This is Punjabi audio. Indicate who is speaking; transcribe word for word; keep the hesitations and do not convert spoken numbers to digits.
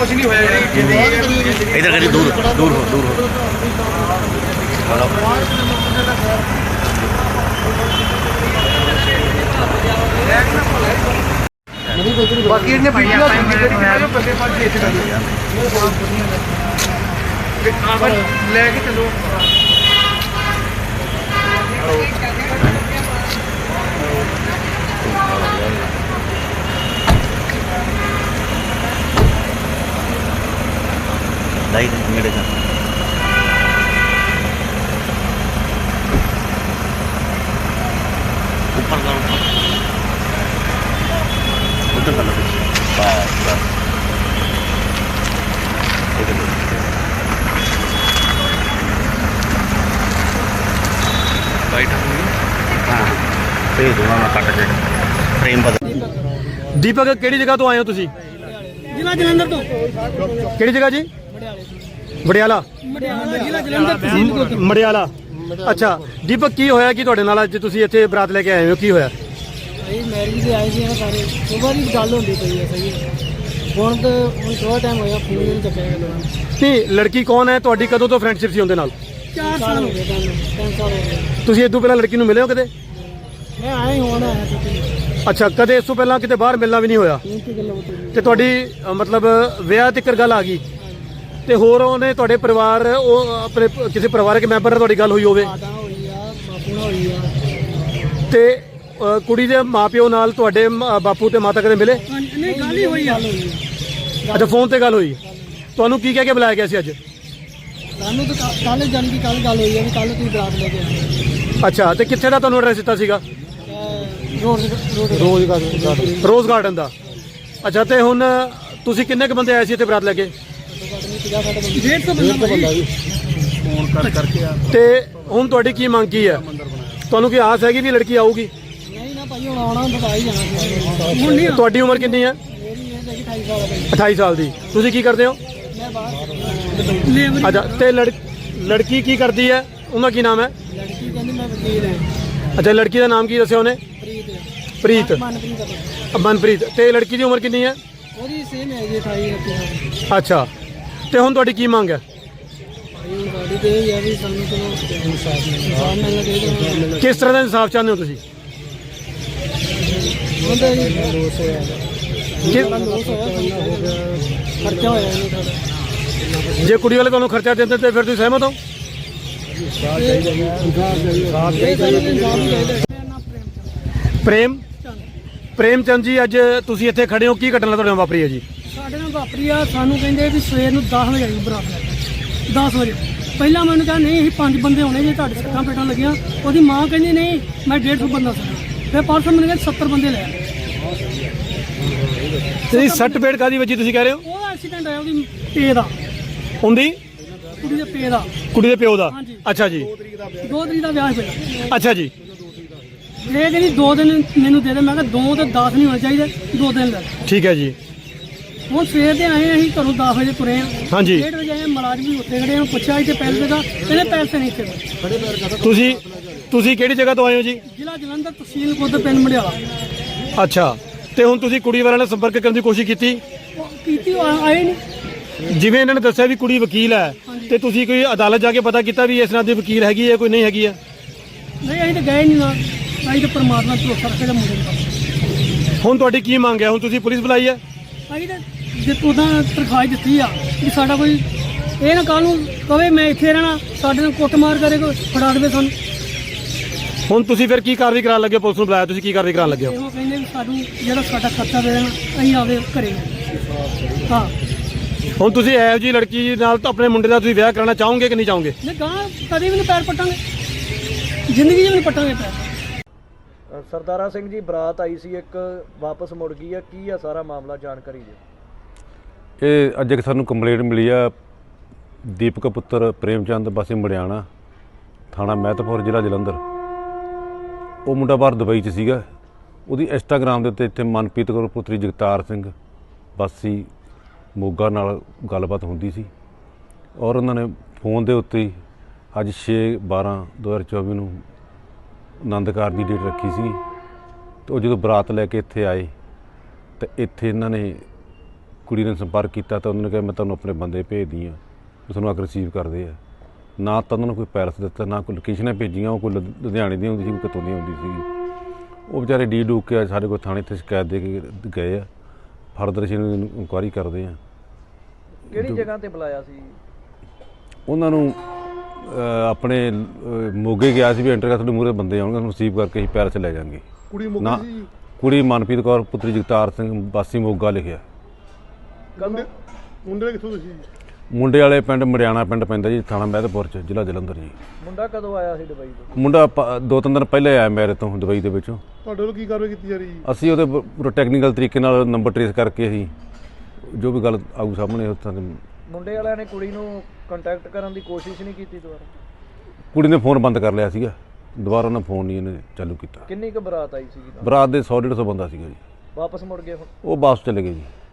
Speaker 1: कुछ नहीं होया इधर करी दूर दूर हो दूर हो बाकी इन्हें वीडियो बंदे पास लेके चलो लाइट मेरे का ऊपर का ऊपर उधर का लगे बस बस लाइट हाँ भेज दूंगा मैं कट के फ्रेम बदल।
Speaker 2: दीपक केड़ी जगह तो आए हो तुसी?
Speaker 3: जिला जलंधर तो।
Speaker 2: केड़ी जगह जी? मडियाला
Speaker 3: जिला जलंधर तहसील को
Speaker 2: मडियाला। अच्छा दीपक की होया कि तुहाडे नाल अज तुसी इत्थे बरात लेके आए हो की होया?
Speaker 3: भाई मैरिज से आए थे ना सारे सुबह की गल होती पई है सही हुण तो हुण थोड़ा टाइम होया फोन नहीं चुकया गया।
Speaker 2: नहीं लड़की कौन है तुहाडी कदों तो फ्रेंडशिप सी उनदे नाल?
Speaker 3: चार साल हो गए तीन साल हो गए।
Speaker 2: तुसी इदों पहला लड़की नूं मिले हो कदे?
Speaker 3: मैं आए हुण आया छुट्टी
Speaker 2: अच्छा कदे इस तों पहला किते बाहर मिलना भी नहीं होया
Speaker 3: तीन की गल होती
Speaker 2: ते तुहाडी अ, मतलब विआह तक गल आ गई ते होर ओने तुहाडे परिवार ओ अपने किसी परिवारक मैंबर नाल तुहाडी गल होई होवे
Speaker 3: माता होई आ बापू नाल होई आ
Speaker 2: ते अ, कुड़ी दे माँ प्यो नाल तुहाडे म- बापू ते माता कदे मिले?
Speaker 3: नहीं गल ही होई आ
Speaker 2: अच्छा फोन ते गल होई तुहानू की कह के बुलाया गया सी अज?
Speaker 3: सानू तो कल जान की कल गल होई है कल तू बरात लेके आए
Speaker 2: अच्छा ते कित्थे दा तुहानू एड्रैस दित्ता सीगा?
Speaker 3: Road road
Speaker 2: rose rose garden ਦਾ ਅੱਛਾ ਤੇ ਹੁਣ ਤੁਸੀਂ ਕਿੰਨੇ ਕ ਬੰਦੇ ਆਏ ਸੀ ਇੱਥੇ ਬਰਾਤ ਲੈ ਕੇ?
Speaker 3: डेढ़ सौ बंदा
Speaker 1: फोन कर करके आ
Speaker 2: ਤੇ ਹੁਣ ਤੁਹਾਡੀ ਕੀ ਮੰਗ ਕੀ ਹੈ? ਤੁਹਾਨੂੰ ਕੀ ਆਸ ਹੈਗੀ ਵੀ ਲੜਕੀ ਆਊਗੀ?
Speaker 3: नहीं ना भाई हुण आना बता ही जाना हुण नहीं
Speaker 2: ਤੁਹਾਡੀ ਉਮਰ ਕਿੰਨੀ ਹੈ?
Speaker 3: मेरी एज है अठाई साल है
Speaker 2: अठाई साल ਦੀ ਤੁਸੀਂ ਕੀ ਕਰਦੇ ਹੋ?
Speaker 3: मैं बाहर लेबर
Speaker 2: ਅੱਛਾ ਤੇ ਲੜ ਲੜਕੀ ਕੀ ਕਰਦੀ ਹੈ ਉਹਦਾ ਕੀ ਨਾਮ ਹੈ?
Speaker 3: लड़की कहती मैं वकील है
Speaker 2: ਅੱਛਾ ਲੜਕੀ ਦਾ ਨਾਮ ਕੀ ਦੱਸਿਆ ਉਹਨੇ?
Speaker 3: प्रीत
Speaker 2: ਪ੍ਰੀਤ
Speaker 3: मनप्रीत है
Speaker 2: ਮਨਪ੍ਰੀਤ ਤੇ ਲੜਕੀ ਦੀ ਉਮਰ ਕਿੰਨੀ ਹੈ?
Speaker 3: ਉਹਦੀ ਸੇਮ ਹੈ ਜੀ ਅਠਾਈ ਉਨੱਤੀ ਸਾਲ
Speaker 2: ਅੱਛਾ ਤੇ ਹੁਣ ਤੁਹਾਡੀ ਕੀ ਮੰਗ ਹੈ?
Speaker 3: ਭਾਈ ਹੁਣ ਸਾਡੀ ਤੇ ਇਹ ਹੈ ਵੀ ਸਾਨੂੰ ਚਲੋ ਇਨਸਾਫ ਮਿਲਣਾ ਚਾਹੀਦਾ
Speaker 2: ਕਿਸ ਤਰ੍ਹਾਂ ਦਾ ਇਨਸਾਫ ਚਾਹੁੰਦੇ ਹੋ ਤੁਸੀਂ?
Speaker 3: ਹੁੰਦਾ ਜੀ ਲੋਸ ਹੋਇਆ
Speaker 2: ਕਿ-
Speaker 3: ਲੋਸ ਹੋਇਆ ਖਰਚਾ ਹੋਇਆ ਇਹਨੂੰ ਸਾਡਾ
Speaker 2: ਜੇ ਕੁੜੀ ਵਾਲੇ ਤੁਹਾਨੂੰ ਖਰਚਾ ਦਿੰਦੇ ਤੇ ਫਿਰ ਤੁਸੀਂ ਸਹਿਮਤ ਹੋ?
Speaker 3: ਇਹ ਸਾਨੂੰ ਇਨਸਾਫ ਹੀ ਚਾਹੀਦਾ
Speaker 2: ਪ੍ਰੇਮ ਪ੍ਰੇਮ ਚੰਦ ਜੀ ਅੱਜ ਤੁਸੀਂ ਇੱਥੇ ਖੜੇ ਹੋ ਕੀ ਘਟਨਾ ਤੁਹਾਡੇ ਨਾਲ ਵਾਪਰੀ ਹੈ ਜੀ?
Speaker 3: ਸਾਡੇ ਨਾਲ ਵਾਪਰੀ ਆ ਸਾਨੂੰ ਕਹਿੰਦੇ ਵੀ ਸਵੇਰ ਨੂੰ ਦਸ ਵਜੇ ਆਈ ਬਰਾਤ ਲੈ ਕੇ ਦਸ ਵਜੇ ਪਹਿਲਾਂ ਮੈਨੂੰ ਕਿਹਾ ਨਹੀਂ ਅਸੀਂ ਪੰਜ ਬੰਦੇ ਹੋਣੇ ਜੇ ਤੁਹਾਡੇ ਸੱਟਾਂ ਪੇਟਾਂ ਲੱਗੀਆਂ ਉਹਦੀ ਮਾਂ ਕਹਿੰਦੀ ਨਹੀਂ ਮੈਂ ਡੇਢ ਸੌ ਬੰਦਾ ਸੀ ਫਿਰ ਪਰਸੋਂ ਮੈਨੂੰ ਕਹਿੰਦੇ ਸੱਤਰ ਬੰਦੇ ਲੈ ਆਏ।
Speaker 2: ਤੁਸੀਂ ਸੱਟ ਪੇੜ ਕਾਦੀ ਵੱਜੀ ਤੁਸੀਂ ਕਹਿ ਰਹੇ ਹੋ?
Speaker 3: ਉਹਦਾ ਐਕਸੀਡੈਂਟ ਆਇਆ ਉਹਦੀ ਪੇ ਦਾ
Speaker 2: ਹੁੰਦੀ
Speaker 3: ਕੁੜੀ ਦੇ ਪੇ ਦਾ
Speaker 2: ਕੁੜੀ ਦੇ ਪਿਓ ਦਾ?
Speaker 3: ਹਾਂਜੀ।
Speaker 2: ਅੱਛਾ ਜੀ
Speaker 3: ਦੋ ਤਰੀਕ ਦਾ ਵਿਆਹ ਸੀ ਪਹਿਲਾਂ
Speaker 2: ਅੱਛਾ ਜੀ
Speaker 3: ਇਹ ਕਹਿੰਦੀ ਦੋ ਦਿਨ ਮੈਨੂੰ ਦੇ ਦੇ ਮੈਂ ਕਿਹਾ ਦੋ ਤੇ ਦਸ ਨਹੀਂ ਹੋਣੇ ਚਾਹੀਦੇ ਦੋ ਦਿਨ ਲੈ
Speaker 2: ਠੀਕ ਹੈ ਜੀ
Speaker 3: ਹੁਣ ਸਵੇਰ ਦੇ ਆਏ ਅਸੀਂ ਘਰੋਂ ਦਸ ਵਜੇ ਤੁਰੇ ਆ
Speaker 2: ਹਾਂਜੀ
Speaker 3: ਡੇਢ ਵਜੇ ਆਏ ਮੁਲਾਜ਼ਮ ਵੀ ਉੱਥੇ ਖੜੇ ਆ ਪੁੱਛਿਆ ਇੱਥੇ ਪੈਸੇ ਦਾ ਕਹਿੰਦੇ ਪੈਸੇ ਨਹੀਂ ਇੱਥੇ
Speaker 2: ਤੁਸੀਂ ਤੁਸੀਂ ਕਿਹੜੀ ਜਗ੍ਹਾ ਤੋਂ ਆਏ ਹੋ ਜੀ?
Speaker 3: ਜ਼ਿਲ੍ਹਾ ਜਲੰਧਰ ਤਹਿਸੀਲ ਖੁਦ ਪਿੰਡ ਮੜਿਆਲਾ
Speaker 2: ਅੱਛਾ ਤੇ ਹੁਣ ਤੁਸੀਂ ਕੁੜੀ ਵਾਲਿਆਂ ਨਾਲ ਸੰਪਰਕ ਕਰਨ ਦੀ ਕੋਸ਼ਿਸ਼ ਕੀਤੀ?
Speaker 3: ਉਹ ਕੀਤੀ ਉਹ ਆਏ ਨਹੀਂ
Speaker 2: ਜਿਵੇਂ ਇਹਨਾਂ ਨੇ ਦੱਸਿਆ ਵੀ ਕੁੜੀ ਵਕੀਲ ਹੈ ਤੇ ਤੁਸੀਂ ਕੋਈ ਅਦਾਲਤ ਜਾ ਕੇ ਪਤਾ ਕੀਤਾ ਵੀ ਇਸ ਨਾਲ ਦੀ ਵਕੀਲ ਹੈਗੀ ਹੈ ਕੋਈ ਨਹੀਂ ਹੈਗੀ ਹੈ?
Speaker 3: ਨਹੀਂ ਅਸੀਂ ਤਾਂ ਗਏ ਨਹੀਂ ਨਾ ਅਸੀਂ ਤਾਂ ਪਰਮਾਤਮਾ ਤੋਂ ਭਰੋਸਾ ਰੱਖੇ ਦਾ ਮੁੰਡੇ ਨੂੰ
Speaker 2: ਹੁਣ ਤੁਹਾਡੀ ਕੀ ਮੰਗ ਹੈ? ਹੁਣ ਤੁਸੀਂ ਪੁਲਿਸ ਬੁਲਾਈ ਹੈ?
Speaker 3: ਅਸੀਂ ਤਾਂ ਜਿੱਤੋਂ ਦਾ ਤਰਖਾਹ ਦਿੱਤੀ ਆ ਕਿ ਸਾਡਾ ਕੋਈ ਇਹ ਨਾ ਕੱਲ ਨੂੰ ਕਵੇ ਮੈਂ ਇੱਥੇ ਰਹਿਣਾ ਸਾਡੇ ਨਾਲ ਕੁੱਟਮਾਰ ਕਰੇ ਕੋਈ ਫੜਾ ਦੇਵੇ ਸਾਨੂੰ
Speaker 2: ਹੁਣ ਤੁਸੀਂ ਫਿਰ ਕੀ ਕਾਰਵਾਈ ਕਰਾਉਣ ਲੱਗੇ ਹੋ? ਪੁਲਿਸ ਨੂੰ ਬੁਲਾਇਆ ਤੁਸੀਂ ਕੀ ਕਾਰਵਾਈ ਕਰਾਉਣ ਲੱਗੇ ਹੋ?
Speaker 3: ਇਹੋ ਕਹਿੰਦੇ ਵੀ ਸਾਨੂੰ ਜਿਹੜਾ ਸਾਡਾ ਖਰਚਾ ਦੇ ਦੇਣਾ ਅਸੀਂ ਆਵੇ ਘਰੇ ਹਾਂ
Speaker 2: ਹੁਣ ਤੁਸੀਂ ਇਹੋ ਜਿਹੀ ਲੜਕੀ ਨਾਲ ਤਾਂ ਆਪਣੇ ਮੁੰਡੇ ਦਾ ਤੁਸੀਂ ਵਿਆਹ ਕਰਾਉਣਾ ਚਾਹੋਗੇ ਕਿ ਨਹੀਂ ਚਾਹੋਗੇ?
Speaker 3: ਨਹੀਂ ਗਾਂ ਕਦੇ ਵੀ ਨਹੀਂ ਪੈਰ ਪੱਟਾਂਗੇ ਜ਼ਿੰਦਗੀ 'ਚ ਵੀ ਨਹੀਂ ਪੱਟਾਂਗੇ ਪੈਰ।
Speaker 4: ਸਰਦਾਰਾ ਸਿੰਘ ਜੀ ਬਰਾਤ ਆਈ ਸੀ ਇੱਕ ਵਾਪਸ ਮੁੜ ਗਈ ਆ ਕੀ ਆ ਸਾਰਾ ਮਾਮਲਾ ਜਾਣਕਾਰੀ ਦਿਓ।
Speaker 5: ਇਹ ਅੱਜ ਇੱਕ ਸਾਨੂੰ ਕੰਪਲੇਂਟ ਮਿਲੀ ਆ ਦੀਪਕ ਪੁੱਤਰ ਪ੍ਰੇਮ ਚੰਦ ਵਾਸੀ ਮੜਿਆਣਾ ਥਾਣਾ ਮਹਿਤਪੁਰ ਜ਼ਿਲ੍ਹਾ ਜਲੰਧਰ। ਉਹ ਮੁੰਡਾ ਬਾਹਰ ਦੁਬਈ 'ਚ ਸੀਗਾ ਉਹਦੀ ਇੰਸਟਾਗ੍ਰਾਮ ਦੇ ਉੱਤੇ ਇੱਥੇ ਮਨਪ੍ਰੀਤ ਕੌਰ ਪੁੱਤਰੀ ਜਗਤਾਰ ਸਿੰਘ ਵਾਸੀ ਮੋਗਾ ਨਾਲ ਗੱਲਬਾਤ ਹੁੰਦੀ ਸੀ ਔਰ ਉਹਨਾਂ ਨੇ ਫੋਨ ਦੇ ਉੱਤੇ ਹੀ ਅੱਜ ਛੇ ਬਾਰਾਂ ਦੋ ਹਜ਼ਾਰ ਚੌਵੀ ਨੂੰ ਆਨੰਦ ਕਾਰਜ ਦੀ ਡੇਟ ਰੱਖੀ ਸੀ ਤੇ ਉਹ ਜਦੋਂ ਬਰਾਤ ਲੈ ਕੇ ਇੱਥੇ ਆਏ ਤਾਂ ਇੱਥੇ ਇਹਨਾਂ ਨੇ ਕੁੜੀ ਨੇ ਸੰਪਰਕ ਕੀਤਾ ਤਾਂ ਉਹਨਾਂ ਨੇ ਕਿਹਾ ਮੈਂ ਤੁਹਾਨੂੰ ਆਪਣੇ ਬੰਦੇ ਭੇਜਦੀ ਹਾਂ, ਉਹ ਤੁਹਾਨੂੰ ਆ ਕੇ ਰਿਸੀਵ ਕਰਦੇ ਆ। ਨਾ ਤਾਂ ਉਹਨਾਂ ਨੂੰ ਕੋਈ ਪੈਰਸ ਦਿੱਤਾ, ਨਾ ਕੋਈ ਲੋਕੇਸ਼ਨਾਂ ਭੇਜੀਆਂ। ਉਹ ਕੋਈ ਲੁ- ਲੁਧਿਆਣੇ ਦੀ ਹੁੰਦੀ ਸੀ, ਕੋਈ ਕਿਤੋਂ ਦੀ ਹੁੰਦੀ ਸੀਗੀ। ਉਹ ਵਿਚਾਰੇ ਡੀ ਡੂਕ ਕੇ ਸਾਡੇ ਕੋਲ ਥਾਣੇ 'ਤੇ ਸ਼ਿਕਾਇਤ ਦੇ ਕੇ ਗਏ ਆ। ਫਰਦਰ ਅਸੀਂ ਇਹਨਾਂ ਦੀ ਇਨਕੁਆਇਰੀ ਕਰਦੇ ਆ।
Speaker 4: ਕਿਹੜੀ ਜਗ੍ਹਾ ਤੇ ਬੁਲਾਇਆ ਸੀ?
Speaker 5: ਉਹਨਾਂ ਨੂੰ ਅਹ, ਆਪਣੇ ਅਹ, ਮੋਗੇ ਗਿਆ ਸੀ ਵੀ ਐਂਟਰ ਕਰ, ਤੁਹਾਡੇ ਮੂਹਰੇ ਬੰਦੇ ਆਉਣਗੇ, ਤੁਹਾਨੂੰ ਰਿਸੀਵ ਕਰਕੇ ਅਸੀਂ ਪੈਰਸ ਲੈ ਜਾਵਾਂਗੇ।
Speaker 2: ਕੁੜੀ
Speaker 5: ਨਾ ਕੁੜੀ ਮਨਪ੍ਰੀਤ ਕੌਰ ਪੁੱਤਰੀ ਜਗਤਾਰ ਸਿੰਘ ਵਾਸੀ ਮੋਗਾ ਲਿਖਿਆ।
Speaker 4: ਕਦੋਂ?
Speaker 2: ਮੁੰਡੇ ਕਿੱਥੋਂ ਤੁਸੀਂ?
Speaker 5: ਮੁੰਡੇ ਵਾਲੇ ਪਿੰਡ ਮੜਿਆਣਾ ਪਿੰਡ ਪੈਂਦਾ ਜੀ, ਥਾਣਾ ਮਹਿਦਪੁਰ 'ਚ, ਜ਼ਿਲ੍ਹਾ ਜਲੰਧਰ ਜੀ।
Speaker 4: ਮੁੰਡਾ ਕਦੋਂ ਆਇਆ ਸੀ ਦੁਬਈ ਤੋਂ?
Speaker 5: ਮੁੰਡਾ ਪ- ਦੋ ਤਿੰਨ ਦਿਨ ਪਹਿਲੇ ਆਇਆ ਮੇਰੇ ਤੋਂ ਦੁਬਈ ਦੇ ਵਿੱਚੋਂ।
Speaker 2: ਤੁਹਾਡੇ ਵੱਲੋਂ ਕੀ ਕਾਰਵਾਈ ਕੀਤੀ ਜਾ ਰਹੀ ਹੈ?
Speaker 5: ਅਸੀਂ ਉਹਦੇ ਪੂਰਾ ਟੈਕਨੀਕਲ ਤਰੀਕੇ ਨਾਲ ਨੰਬਰ ਟਰੇਸ ਕਰਕੇ ਅਸੀਂ ਜੋ ਵੀ ਗੱਲ ਆਊ ਸਾਹਮਣੇ ਉੱਥਾਂ ਦੇ
Speaker 4: ਮੁੰਡੇ ਵਾਲਿਆਂ ਨੇ ਕੁੜੀ ਨੂੰ ਕੰਟੈਕਟ ਕਰਨ ਦੀ ਕੋਸ਼ਿਸ਼ ਨਹੀਂ ਕੀਤੀ ਦੁਬਾਰਾ?
Speaker 5: ਕੁੜੀ ਨੇ ਫੋਨ ਬੰਦ ਕਰ ਲਿਆ ਸੀਗਾ, ਦੁਬਾਰਾ ਉਹਨਾਂ ਫੋਨ ਨਹੀਂ ਇਹਨੇ ਚਾਲੂ ਕੀਤਾ।
Speaker 4: ਕਿੰਨੀ ਕੁ ਬਰਾਤ ਆਈ ਸੀਗੀ?
Speaker 5: ਬਰਾਤ ਦੇ ਸੌ ਡੇਢ ਸੌ ਬੰਦਾ ਸੀਗਾ ਜੀ।
Speaker 4: ਵਾਪਸ ਮੁੜ ਗਏ ਹੁਣ?
Speaker 5: ਉਹ ਵਾਪਸ ਚਲੇ ਗਏ ਜੀ।